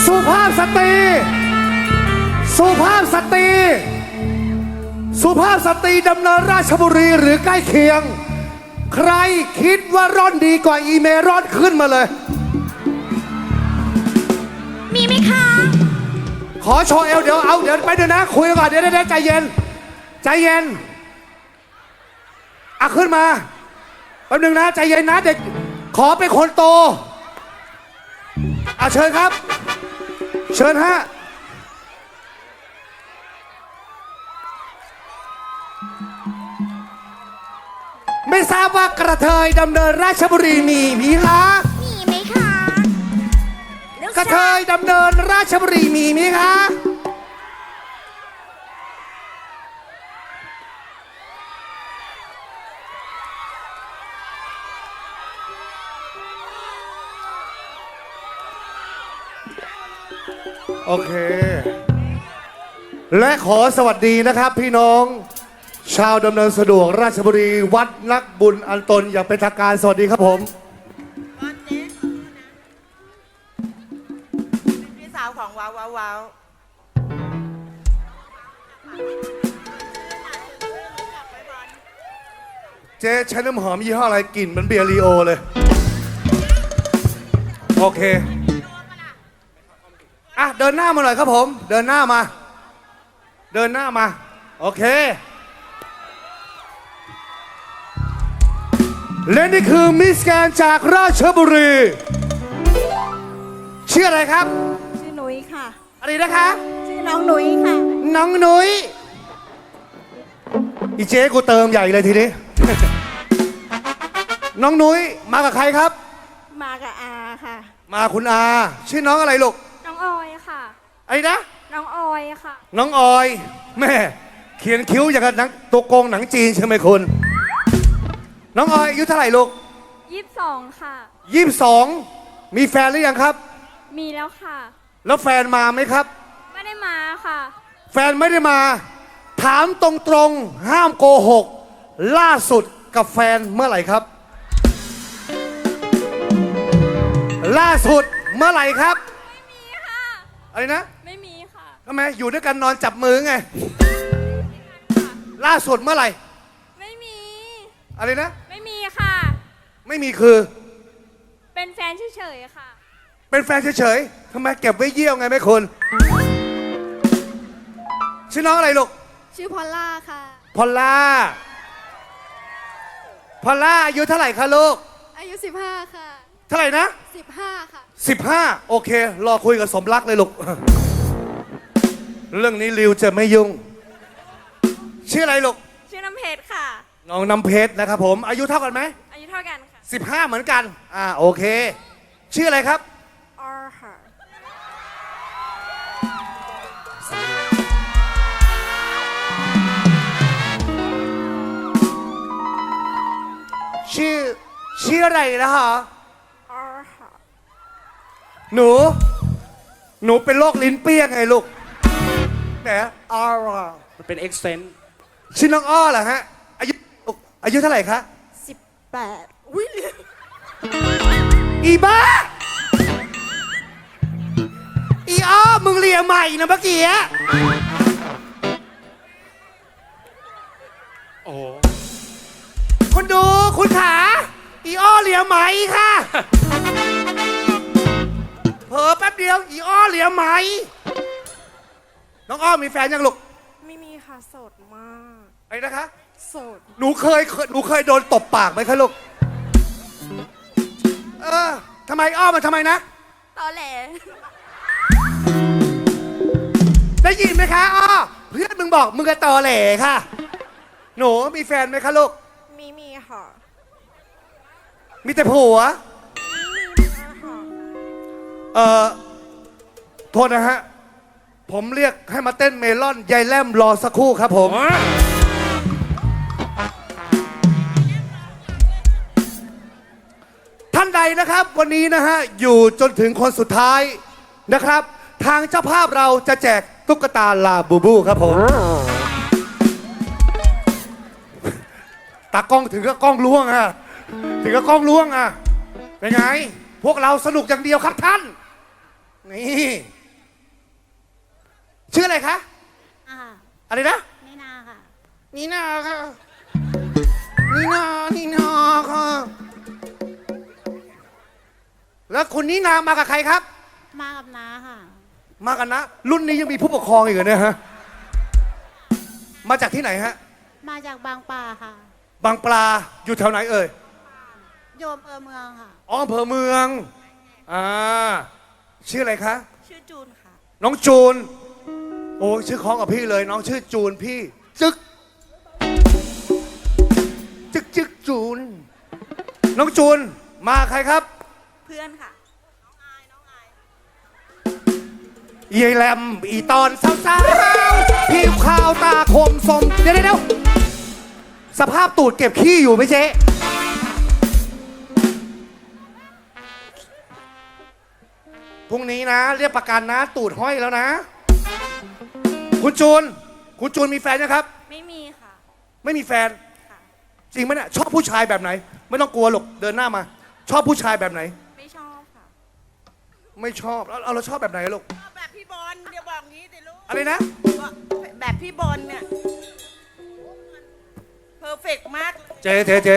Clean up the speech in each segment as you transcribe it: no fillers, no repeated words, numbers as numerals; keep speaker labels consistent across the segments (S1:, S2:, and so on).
S1: สุภาพสตรีสุภาพสตรีสุภาพสตรีดำเนินราชบุรีหรือใกล้เคียงใครคิดว่าร่อนดีกว่าอีเมร่อนขึ้นมาเลย
S2: มีไหมคะ
S1: ขอโชว์เอวเดี๋ยวไปเดี๋ยวนะคุยก่อนเดี๋ยวใจเย็นใจเย็นอ่ะขึ้นมาแป๊บนึงนะใจเย็นนะเด็กขอเป็นคนโตอ่ะเชิญครับเชิญฮะไม่ทราบว่ากระเทยดำเนินราชบุรีมีคะ
S2: มีไหมคะ
S1: กระเทยดำเนินราชบุรีมีคะโอเคและขอสวัสดีนะครับพี่น้องชาวดำเนินสะดวกราชบุรีวัดนักบุญอันตนอย่างเป็นทางการสวัสดีครับผม
S3: พี่สาวของว้าว
S1: เจ๊ใช้น้ำหอมยี่ห้ออะไรกลิ่นเหมือนเบียร์ลีโอเลยโอเคอ่ะเดินหน้ามาหน่อยครับผมเดินหน้ามาโอเคและนี่คือมิสแกรนด์จากราชบุรีชื่ออะไรครับ
S3: ชื่อหนุยค่ะ
S1: อะไรนะคะ
S3: ชื่อน้องหนุยค่ะ
S1: น้องหนุยอีเจ๊กูเติมใหญ่เลยทีนี้ น้องหนุยมากับใครครับ
S3: มากับอาค่ะ
S1: มาคุณอาชื่อน้องอะไรลูก
S2: น้องออยค่ะ
S1: อะไรนะ
S2: น้องออยค่ะ
S1: น้องออยแม่เขียนคิ้วอย่างกับหนังตัวโกงหนังจีนใช่ไหมคุณน้องออยอายุเท่าไหร่ลูก
S2: 22ค่ะ
S1: 22มีแฟนหรือยังครับ
S2: มีแล้วค่ะ
S1: แล้วแฟนมาไหมครับ
S2: ไม่ได้มาค่ะ
S1: แฟนไม่ได้มาถามตรงๆห้ามโกหกล่าสุดกับแฟนเมื่อไหร่ครับล่าสุดเมื่อไหร่ครับ
S2: ไม่มีค่ะ
S1: อะไรนะ
S2: ไม่มีค่ะ
S1: ทำไมอยู่ด้วยกันนอนจับมือไงล่าสุดเมื่อไหร่
S2: ไม่มี
S1: อะไรนะ
S2: ไม่มีค่ะ
S1: ไม่มีคือ
S2: เป็นแฟนเฉยๆค่ะ
S1: เป็นแฟนเฉยๆทำไมเก็บไว้เยี่ยวไงแม่คุณชื่อน้องอะไรลูก
S2: ชื่อพอลล่าค่ะ
S1: พอลล่าอายุเท่าไหร่คะลูก
S2: อายุ15ค่ะ
S1: เท่าไหร่นะ
S2: 15ค่ะ
S1: 15โอเครอคุยกับสมรักเลยลูกเรื่องนี้ริวจะไม่ยุ่งชื่ออะไรลูก
S2: ชื่อน้ำเพชรค่ะ
S1: น้องน้ำเพชรนะครับผมอายุเท่ากันไหม
S2: อายุเท่ากันค่ะ
S1: 15เหมือนกันโอเคชื่ออะไรครับ
S2: ออร์ค่ะ
S1: ชื่ออะไรนะฮะ
S2: ออร์ค่ะ
S1: หนูเป็นโรคลิ้นเปี้ยงไงลูกแหมออร์
S4: มันเป็น accent
S1: ชื่อน้องอ้อเหรอฮะอายุเท่าไหร่คะ
S3: 18อุ้ย
S1: อีบ้าอีอ้อมึงเรียใหม่นะเมื่อกี้
S4: โอ้
S1: คุณดูคุณขาอีอ้อเรียใหม่ค่ะเผลอแป๊บเดียวอีอ้อเรียใหม่น้องอ้อมีแฟนยังลูก
S3: ไม่มีค่ะโสดมาก
S1: ไอ้นะคะ
S3: โสด
S1: หนูเคยโดนตบปากไหมคะลูกทำไมอ้อมันทำไมนะ
S2: ตอแหล
S1: ได้ยินไหมคะอ้อเพื่อนมึงบอกมึงกระตอแหล่ค่ะหนูมีแฟนไหมคะลูก
S3: มีค่ะ
S1: มีแต่ผัวโทษนะฮะผมเรียกให้มาเต้นเมลอนยายแลมรอสักครู่ครับผมท่านใดนะครับวันนี้นะฮะอยู่จนถึงคนสุดท้ายนะครับทางเจ้าภาพเราจะแจกตุ๊กตาลาบูบูครับผมตากล้องถึงก็กล้องล่วงอ่ะเป็นไงพวกเราสนุกอย่างเดียวครับท่านนี่ชื่ออะไรคะ
S4: อ่า
S1: อะไรนะ
S4: ไม่นาค่ะ
S1: นีนาค่ะนีนาค่ะแล้วคุณนีนามากับใครครับ
S4: มากับน้าค่ะ
S1: มากันนะ รุ่นนี้ยังมีผู้ปกครองอีกเหรอเนี่ยฮะมาจากที่ไหนฮะ
S4: มาจากบางปลาค่ะ
S1: บางปลาอยู่แถวไหนเอ่ย
S4: โยมเมืองค่ะ
S1: อ๋ออำเภอเมืองชื่ออะไรคะ
S3: ชื่อจูนค่ะ
S1: น้องจูน โอ้ชื่อคล้องกับพี่เลย น้องชื่อจูนพี่ จึกจูน น้องจูนมาใครครับ
S2: เพื่อนค่ะ
S1: ยายแหลมอีตอนสาวๆผิวขาวตาคมสมเดี๋ยวสภาพตูดเก็บขี้อยู่ไหมเจ๊พรุ่งนี้นะ เรียกประกันนะ ตูดห้อยแล้วนะ คุณจูนมีแฟนนะครับ
S2: ไม่มีค่ะ
S1: ไม่มีแฟน
S2: ค่ะ
S1: จริงไหมเนี่ยชอบผู้ชายแบบไหน ไม่ต้องกลัวหรอกเดินหน้ามา ชอบผู้ชายแบบไหน
S2: ไม่ชอบค่ะ
S1: ไม่ชอบแล้วเราชอบแบบไหนลูก
S3: แบบพี่บอลเดี๋ยวบอกงี้สิลูก
S1: อะไรนะ
S3: แบบพี่บอลเนี่ยเพอร์เฟกมาก
S1: เจ๊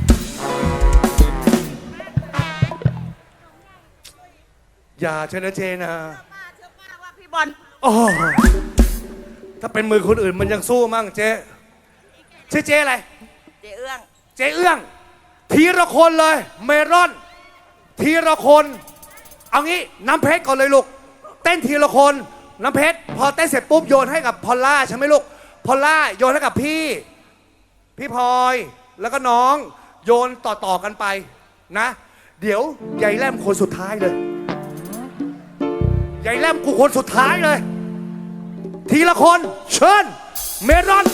S1: อย่าเชนะเจนะ
S3: เชื่อป้าว่าพี่บอล
S1: โอ้ถ้าเป็นมือคนอื่นมันยังสู้มั่งเจ๊ชื่อเจ๊อะไร
S3: เจ๊เอื้อง
S1: เจ๊เอื้อง ทีละคนเลย เมรอน ทีละคน เอางี้น้ำเพชรก่อนเลยลูก เต้นทีละคน น้ำเพชรพอเต้นเสร็จปุ๊บโยนให้กับพอลล่าใช่ไหมลูก พอลล่าโยนให้กับพี่พลอย แล้วก็น้องโยนต่อกันไปนะ เดี๋ยวยายแลมคนสุดท้ายเลยยายแลมกูคนสุดท้ายเลย ทีละคนเชิญเมรอน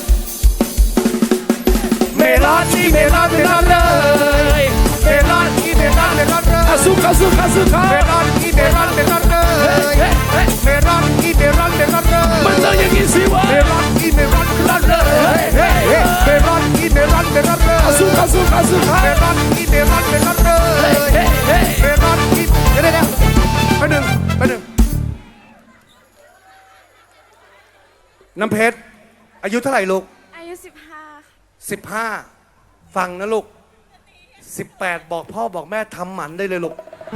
S1: เมลอนนี่เมลอนเลย เมลอนนี่เมลอนเลยอาซุกเมลอนนี่เมลอนเลยเมลอนนี่เมลอนเลยมันต้องอย่างนี้สิวะเมลอนนี่เมลอนเลยเมลอนนี่เมลอนเลยอาซุกเมลอนนี่เมลอนเลยเมลอนนี่เดี๋ยวไปหนึ่งน้ำเพชรอายุเท่าไหร่ลูก
S2: อายุ 15 ค่ะ
S1: 15 ฟังนะลูก 18 บอกพ่อบอกแม่ทำหมันได้เลยลูก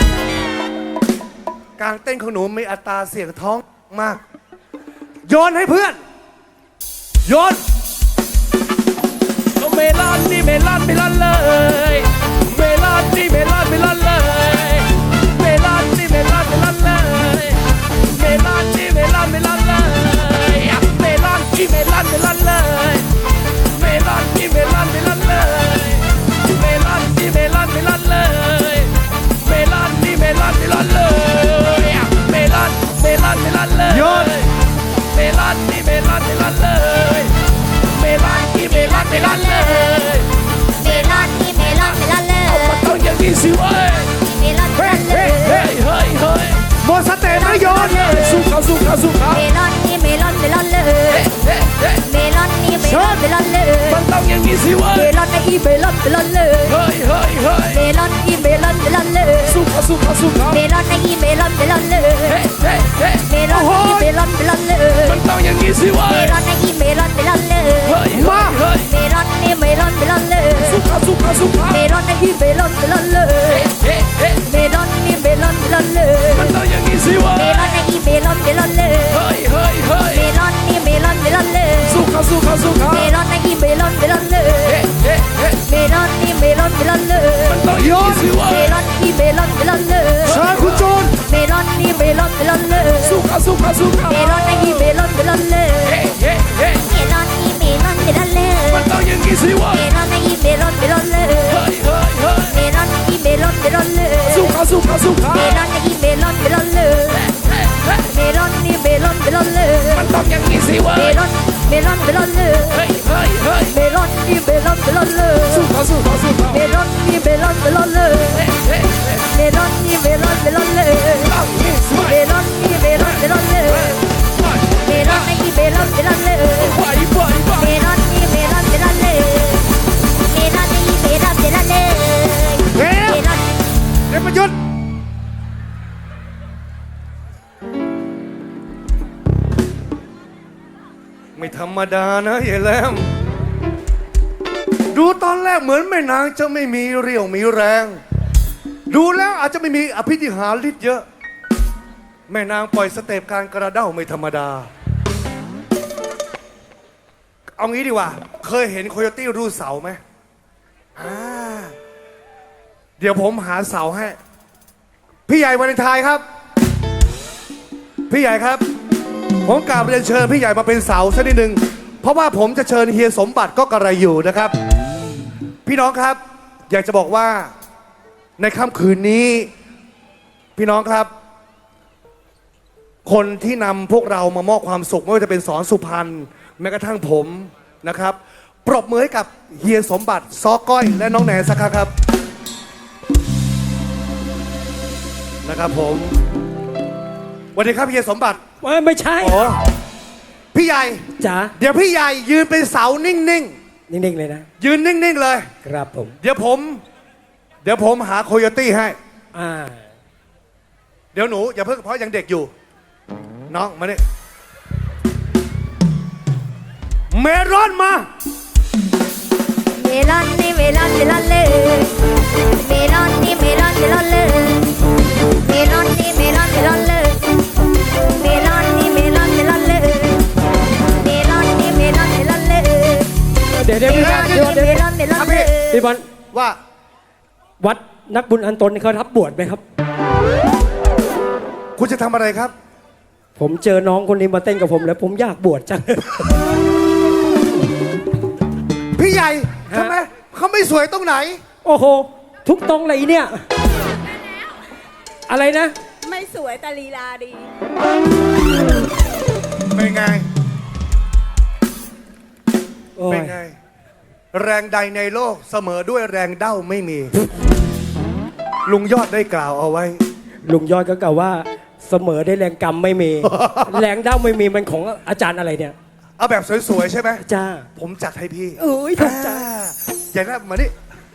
S1: การเต้นของหนูมีอัตราเสียงท้องมาก โยนให้เพื่อน โยน
S5: เมลอนนี่เมลอนเลย เมลอนนี่เมลอนเลย เมลอนนี่เมลอนเลย เมลอนนี่เมลอนเลย เมลอนนี่เมลอนเลย เมลอนนี่เมลอนเลย เมลอนนี่เมลอนเลย เมลอนนี่เมลอนเลย เมลอนเลย
S1: โยน
S5: เมลอนนี่เมลอนเลย เมลอนนี่เมลอนเลย
S4: เมลอนนี่เมลอนเลย
S5: มันต้องอย่างนี้สิเว้ย
S4: เมลอนเลย
S5: เฮ้ย
S1: หมดสเตปแล้วโยน
S5: สู้เขา
S4: เมลอนนี่เมลอนเลย เมลอนนี่เมลอนเลย
S5: มันต้องอย่างนี้สิเว้ย
S4: เมลอนนี่เมลอนเลย
S5: เฮ้ย
S4: เมลอนนี่เมลอนเลย
S5: สู้เขา
S4: เมลอนนี่เมลอนเลย เมลอนนี่เมลอนเลย
S5: มันต้องอย่างนี้สิเว้
S4: เม
S5: ย
S4: ลอนนี่เมลอนเลย
S5: เฮ้ย
S4: เมลอนนี่เมลอนเลย
S5: สู้เขา
S4: เมลอนนี่เมลอนเลย เมลอนนี่เมลอนเลย
S5: มันต้องอย่างนี้สิเว้ย
S4: เมลอนนี่เมลอนเลย
S5: เฮ้ย
S4: เมลอนนี่เมลอนเลย
S5: สู้เขา
S4: เมลอนนี่เมลอนเลย เมลอนนี่เมลอนเลย
S5: มันต้องอย่างนี้สิเว้
S4: เม
S5: ย
S4: ลอนนี่เมลอนเลย
S1: เชิญคุณจูน
S4: เมลอนนี่เมลอนเลย
S5: สู้เขา
S4: เมลอนนี่เมลอนเลย เมลอนนี่เมลอนเลย
S5: มันต้องอย่างนี้สิเว้ย
S4: เมลอนนี่เมลอนเลย
S5: เฮ้ย
S4: เมลอนนี่เมลอนเลย
S5: สู้เขา
S4: เมลอนนี่เมลอนเลย เมลอนนี่เมลอนเลย
S5: มันต้องอย่างนี้สิเว้
S4: เม
S5: ย
S4: ลอนเมลอนเลย
S5: เฮ้ย
S4: เมลอนนี่เมลอนเลย
S5: สู้เขา
S4: เมลอนนี่เมลอนเลย เมลอนนี่เมลอนเลย
S5: ต้องอย่างนี้สิเว้
S4: เม
S5: ย
S4: ลอนนี่เมลอนเลยเมลอนนี่เมลอนเลย
S5: ไป
S4: เมลอนนี่เมลอนเลย เมลอนนี่เมลอนเลย
S1: เฮ้ย
S4: เมลอน
S1: เดี๋ยวประยุทธ์ไม่ธรรมดานะยายแหลมดูตอนแรกเหมือนแม่นางจะไม่มีเรี่ยวมีแรง ดูแล้วอาจจะไม่มีอภิธิหาริย์เยอะ แม่นางปล่อยสเต็ปการกระเด้าไม่ธรรมดา เอางี้ดีกว่า เคยเห็นโคโยตี้รูเสาไหมเดี๋ยวผมหาเสาให้ พี่ใหญ่วาเลนไทน์ครับ พี่ใหญ่ครับ ผมกราบเรียนเชิญพี่ใหญ่มาเป็นเสาสักนิดหนึ่งเพราะว่าผมจะเชิญเฮียสมบัติก็กระไรอยู่นะครับ พี่น้องครับ อยากจะบอกว่าในค่ำคืนนี้ พี่น้องครับ คนที่นำพวกเรามามอบความสุขไม่ว่าจะเป็นสอนสุพรรณแม้กระทั่งผมนะครับ ปรบมือให้กับเฮียสมบัติซอก้อยและน้องแหนสักครั้งครับนะครับผมสวัสดีครับเฮียสมบัติ
S5: ไม่ใช่
S1: อ๋อพี่ใหญ่
S5: จ๋า
S1: เดี๋ยวพี่ใหญ่ยืนเป็นเสานิ่ง
S5: นิ่งๆเลยนะ
S1: ๆยืนนิ่งๆเลย
S5: ครับผม
S1: เดี๋ยวผมหาโคโยตี้ให้
S5: อ่า
S1: เดี๋ยวหนูอย่าเพิ่งเพราะยังเด็กอยู่ น้องมาเนี่ยเมรอนมา
S4: เมลอนนี่เมลอนเมลอนเลยเมลอนนี่เมลอนเมลอนเลยเมลอนนี่เมลอนเมลอนเลยเมลอนนี่เมลอนเมลอนเลยเมลอนนี่เมลอนเมลอนเลย
S5: เดี๋ยวพี่บอล
S4: เมลอนเมลอนเลย
S5: พี่บอล
S1: ว่า
S5: วัดนักบุญอันตนเขารับบวชไหมครับ
S1: คุณจะทำอะไรครับ
S5: ผมเจอน้องคนนี้มาเต้นกับผมแล้วผมอยากบวชจัง
S1: พี่ใหญ่
S5: ฮะ
S1: ทำไมเขาไม่สวยตรงไหน
S5: โอ้โห ทุกตรงเลยเนี่ย อะไรนะ
S2: ไม่สวยแต่ลีลาดี
S1: เป็นไง
S5: โอ้ย
S1: เป็นไง แรงใดในโลกเสมอด้วยแรงเด้าไม่มี ลุงยอดได้กล่าวเอาไว้
S5: ลุงยอดก็กล่าวว่าเสมอได้แรงกรรมไม่มี แรงเด้าไม่มีมันของอาจารย์อะไรเนี่ย
S1: เอาแบบสวยๆใช่ไหม
S5: จ้า
S1: ผมจัดให้พี่
S5: เอ้ยถูกใจ
S1: อย่างนั้นมานี่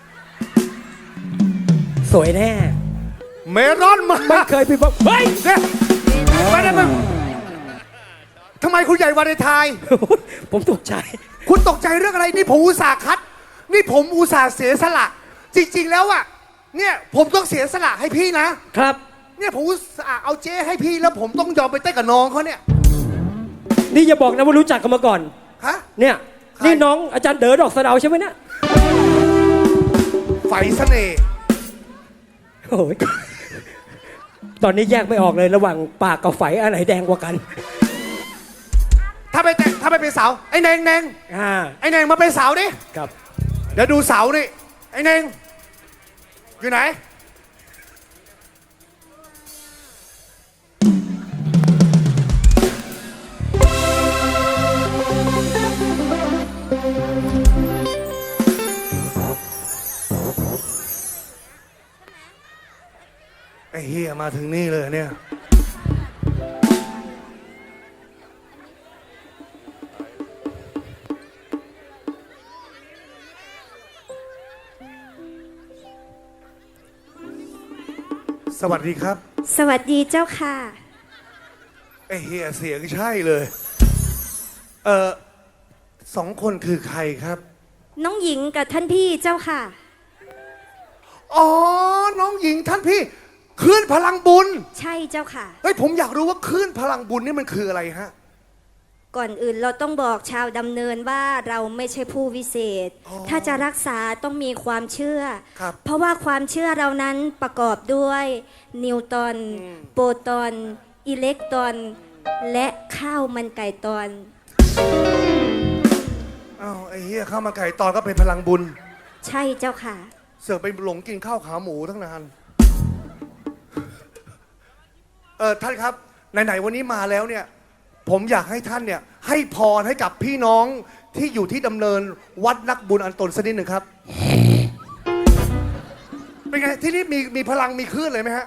S5: สวยแน่
S1: เมรอนมา
S5: ไม่เคยพี่บอกเฮ้ย
S1: เนี่ยไปได้มึงทำไมคุณใหญ่วาเลนไทน์
S5: ผมตกใจ
S1: คุณตกใจเรื่องอะไรนี่ผมอุตส่าห์คัด นี่ผมอุตส่าห์เสียสละ จริง ๆ แล้วอะเนี่ยผมต้องเสียสละให้พี่นะ
S5: ครับ
S1: เนี่ยผมอุตส่าห์เอาเจ๊ให้พี่แล้วผมต้องยอมไปเต้นกับน้องเขาเนี่ย
S5: นี่อย่าบอกนะว่ารู้จักกันมาก่อน
S1: ฮะ
S5: เนี่ย
S1: ใคร
S5: นี่น้องอาจารย์เด๋อดอกสะเดาใช่ไหมเนี่ย
S1: ไฟเสน่ห์
S5: โอ้ยตอนนี้แยกไม่ออกเลยระหว่างปากกับไฝอันไหนแดงกว่ากัน
S1: ถ้าไปเป็นสาวไอ้แนง
S5: อ่า
S1: ไอ้แนงมาเป็นสาวดิ
S5: ครับ
S1: เดี๋ยวดูเสานี่ไอ้เน่งอยู่ไหน ไอ้เฮียมาถึงนี่เลยเนี่ย สวัสดีครับ
S4: สวัสดีเจ้าค่ะ
S1: ไอ้เฮียเสียงใช่เลย สองคนคือใครครับ
S4: น้องหญิงกับท่านพี่เจ้าค่ะ
S1: อ๋อ น้องหญิงท่านพี่คลื่นพลังบุญ
S4: ใช่เจ้าค่ะ
S1: เฮ้ยผมอยากรู้ว่าคลื่นพลังบุญนี่มันคืออะไรฮะ
S4: ก่อนอื่นเราต้องบอกชาวดำเนินว่าเราไม่ใช่ผู้วิเศษ
S1: อ๋อ
S4: ถ้าจะรักษาต้องมีความเชื่อ
S1: ครับ
S4: เพราะว่าความเชื่อเรานั้นประกอบด้วย นิวตรอน โปรตอน อิเล็กตรอน และข้าวมันไก่ตอน
S1: อ้าวไอ้เฮียข้าวมันไก่ตอนก็เป็นพลังบุญ
S4: ใช่เจ้าค่ะ
S1: เสือกไปหลงกินข้าวขาหมูตั้งนาน ท่านครับไหนๆวันนี้มาแล้วเนี่ย ผมอยากให้ท่านเนี่ยให้พรให้กับพี่น้องที่อยู่ที่ดำเนินวัดนักบุญอันตนสักนิดหนึ่งครับ เป็นไงที่นี่มีพลังมีคลื่นเลยไหมฮะ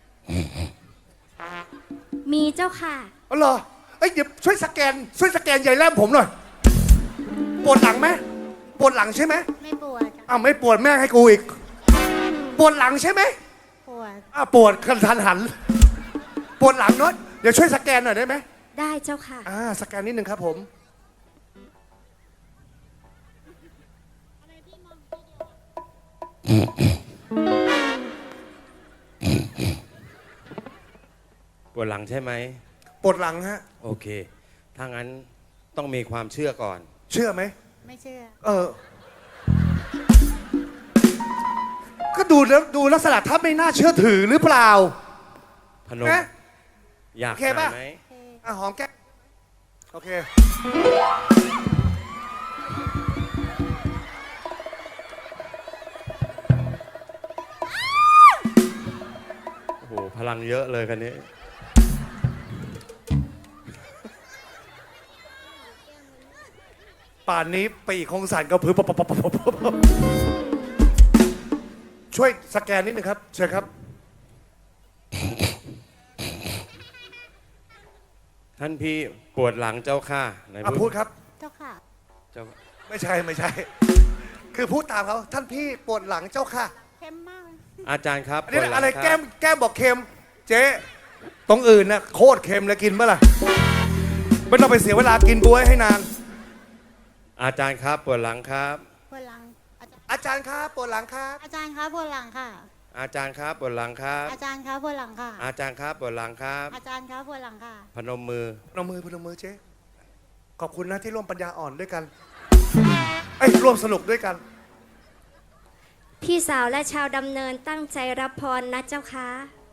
S4: มีเจ้าค่ะ
S1: อ๋อเหรอเอ้ยเดี๋ยวช่วยสแกนใหญ่แล่มผมหน่อยปวดหลังไหมปวดหลังใช่ไหม
S4: ไม่ปวด
S1: อ้าวไม่ปวดแม่ให้กูอีก ปวดหลังใช่ไหม
S4: ปวด
S1: อ้าวปวดกระทันหัน ปวดหลังเนาะเดี๋ยวช่วยสแกนหน่อยได้ไหม
S4: ได้เจ้าค่ะ
S1: สแกนนิดนึงครับผม
S5: ปวดหลังใช่ไหม
S1: ปวดหลังฮะ
S5: โอเค ถ้างั้นต้องมีความเชื่อก่อน
S1: เชื่อไหม
S4: ไม่เชื่อ
S1: ก็ดูแล้วดูลักษณะถ้าไม่น่าเชื่อถือหรือเปล่า
S5: พนม
S1: เอ๊ะ
S5: อยาก
S1: โอเค
S5: หา
S1: ป่ะ
S5: ไหม
S1: อ่ะหอมแก้มโอเค
S5: โอ้โห พลังเยอะเลยคันนี้
S1: ป่านนี้ปีกคงสั่นกระพือปบช่วยสแกนนิดนึงครับ เชิญครับ
S5: ท่านพี่ปวดหลังเจ้าค่ะไหน
S1: พูดครับ
S4: เจ้าค่ะ
S5: เจ้า
S1: ไม่ใช่ไม่ใช่ คือพูดตามเขาท่านพี่ปวดหลังเจ้าค่ะ
S4: เค็มมาก
S5: อาจารย์ครับ
S1: อันนี้
S5: ปวดหลัง
S1: อะไร
S5: คบ
S1: แก้มบอกเค็ม เจ๊ตรงอื่นนะโคตรเค็มเลยกินเมื่อไหร่ไม่ต้องไปเสียเวลากินบ๊วยให้นาน
S5: อาจารย์ครับปวดหลังครับ
S4: ปวดหลัง
S1: อาจารย์ครับปวดหลังครับ
S4: อาจารย์คะปวดหลังค่ะ
S5: อาจารย์ครับปวดหลังครับ
S4: อาจารย์คะปวดหลังค่ะ
S5: อาจารย์ครับปวดหลังครับ
S4: อาจารย์คะปวดหลังค่ะ
S5: พนมมือ
S1: พนมมือเจ๊ขอบคุณนะที่ร่วมปัญญาอ่อนด้วยกันไอ้ยร่วมสนุกด้วยกัน
S6: พี่สาวและชาวดำเนินตั้งใจรับพรนะเจ้าค่ะ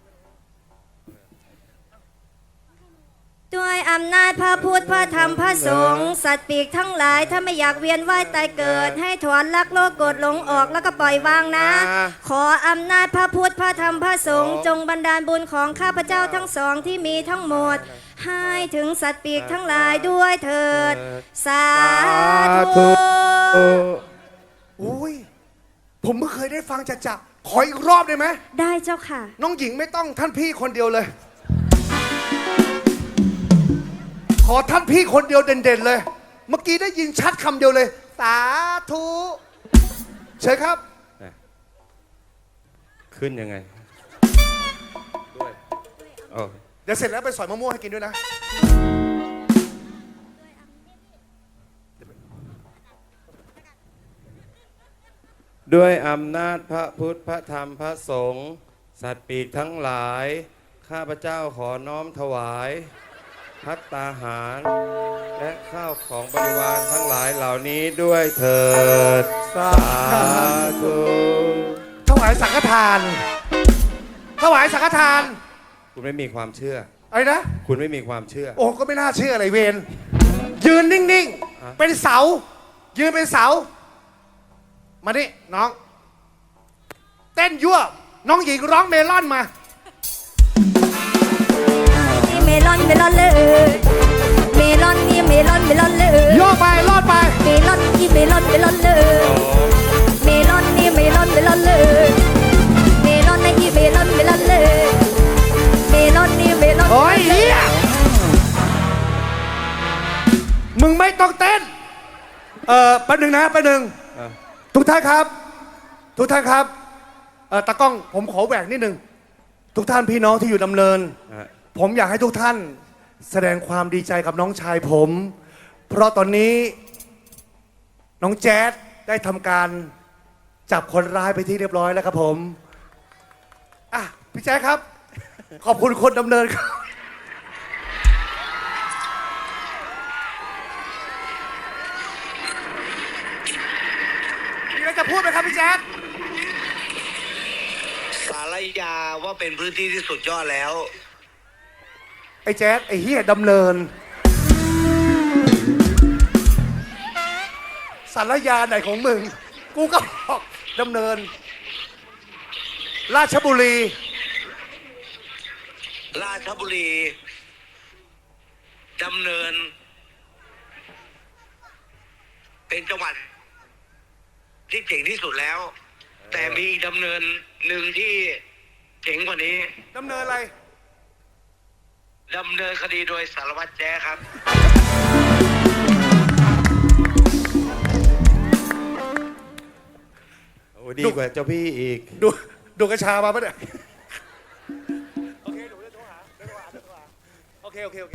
S6: ด้วยอำนาจพระพุทธพระธรรมพระสงฆ์สัตว์ปีกทั้งหลายถ้าไม่อยากเวียนว่ายตายเกิด ให้ถอนลักโลกโกรธหลงออกแล้วก็ปล่อยวางนะ ขออำนาจพระพุทธพระธรรมพระสงฆ์จงบันดาลบุญของข้าพเจ้าทั้งสองที่มีทั้งหมด ให้ถึงสัตว์ปีกทั้งหลายด้วยเถิด สาธุ
S1: อุ้ยผมไม่เคยได้ฟังจะขออีกรอบได้ไหม
S6: ได้เจ้าค่ะ
S1: น้องหญิงไม่ต้องท่านพี่คนเดียวเลย ขอท่านพี่คนเดียวเด่นๆเลย เมื่อกี้ได้ยินชัดคำเดียวเลย สาธุเชิญครับ
S5: ขึ้นยังไง ด้วยโอ้
S1: เดี๋ยวเสร็จแล้วไปสอยมะม่วงให้กินด้วยนะ
S5: ด้วยอำนาจพระพุทธพระธรรมพระสงฆ์สัตว์ปีกทั้งหลาย ข้าพเจ้าขอน้อมถวายภัตตาหาร และข้าวของบริวารทั้งหลายเหล่านี้ด้วยเถิด สาธุ
S1: ถวายสังฆทาน ถวายสังฆทาน
S5: คุณไม่มีความเชื่อ
S1: อะไรนะ
S5: คุณไม่มีความเชื่อ
S1: โอ้ก็ไม่น่าเชื่ออะไรเวรยืนนิ่ง
S5: อ่ะ
S1: ๆ เป็นเสา ยืนเป็นเสา มาดิน้อง เต้นยั่ว น้องหญิงร้องเมลอนมา
S4: นี่เมลอนเมลอนเลย เมลอนนี่เมลอนเมลอนเลย
S1: ย่อไปรอดไป
S4: เมลอนนี่เมลอนเมลอนเลย เมลอนนี่เมลอนเมลอนเลย เมลอนนี่เมลอนเมลอนเลย เมลอนนี่เมลอน
S1: โอ้ยเฮียมึงไม่ต้องเต้น แป๊บหนึ่งนะแป๊บหนึ่ง
S5: เออ
S1: ทุกท่านครับ ทุกท่านครับตากล้องผมขอแหวกนิดหนึ่งทุกท่านพี่น้องที่อยู่ดำเนิน
S5: อ่ะ
S1: ผมอยากให้ทุกท่านแสดงความดีใจกับน้องชายผม เพราะตอนนี้น้องแจ๊ดได้ทำการจับคนร้ายไปที่เรียบร้อยแล้วครับผมอ่ะพี่แจ๊ดครับ ขอบคุณคนดำเนินครับมีอะไรจะพูดไหมครับพี่แจ๊ด
S7: สารยาว่าเป็นพื้นที่ที่สุดยอดแล้ว
S1: ไอ้แจ๊ดไอ้เฮียดำเนินสารยาไหนของมึง กูก็บอกดำเนิน ราชบุรี
S7: ราชบุรีดำเนิน เป็นจังหวัดที่เจ๋งที่สุดแล้ว แต่มีอีกดำเนินหนึ่งที่เจ๋งกว่านี้
S1: ดำเนินอะไร
S7: ดำเนินคดีโดยสารวัตรแจ้ครับ
S5: โอ้ดีกว่าเจ้าพี่อีก
S1: ดูกระชามาปะเนี่ย โอเค โอเค